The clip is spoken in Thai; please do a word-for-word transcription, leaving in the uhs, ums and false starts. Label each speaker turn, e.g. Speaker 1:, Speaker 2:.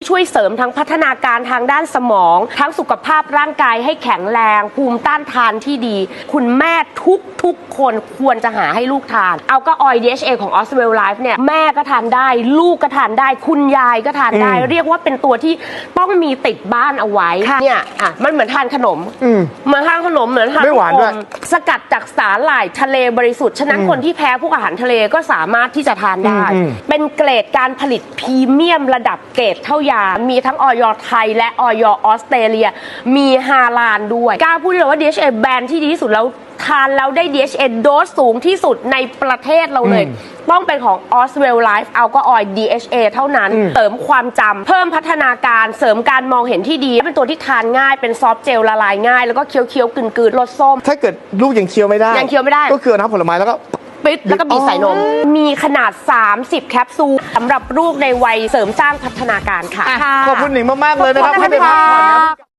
Speaker 1: ช่วยเสริมทั้งพัฒนาการทางด้านสมองทั้งสุขภาพร่างกายให้แข็งแรงภูมิต้านทานที่ดีคุณแม่ทุกทุกคนควรจะหาให้ลูกทานเอาก็ออย ดี เอช เอ ของ Oswell Life เนี่ยแม่ก็ทานได้ลูกก็ทานได้คุณยายก็ทานได้เรียกว่าเป็นตัวที่ต้องมีติดบ้านเอาไว้เนี่ยอ่ะมันเหมือนทานขนมเหมือนทานขนมเหมือนทาน
Speaker 2: ไม่หวานด้วย
Speaker 1: สกัดจากสาหร่ายทะเลบริสุทธิ์ฉะนั้นคนที่แพ้พวกอาหารทะเลก็สามารถที่จะทานได้เป็นเกรดการผลิตพรีเมียมระดับเกรดเท่ายามีทั้งออยไทยและออยออสเตรเลียมีฮาลาลด้วยกล้าพูดเลยว่า ดี เอช เอ แบรนด์ที่ดีที่สุดแล้วทานแล้วได้ ดี เอช เอ โดสสูงที่สุดในประเทศเราเลยต้องเป็นของ Oswell Life Alcohol ดี เอช เอ เท่านั้นเสริมความจำเพิ่มพัฒนาการเสริมการมองเห็นที่ดีเป็นตัวที่ทานง่ายเป็นซอฟต์เจลละลายง่ายแล้วก็เคี้ยวๆกลืนๆรสส้ม
Speaker 2: ถ้าเกิดลูกยังเคี้ยวไม่ได้
Speaker 1: ยังเคี้ยวไม่ได้
Speaker 2: ก็คือน้ำผลไม้แล้วก็
Speaker 1: ปิดแล้วก็บีบใส่นมมีขนาดสามสิบแคปซูลสำหรับลูกในวัยเสริมสร้างพัฒนาการค่ะ
Speaker 2: ขอบคุณหนิงมากๆเลยนะครับให้ไปพักผ่อนนะ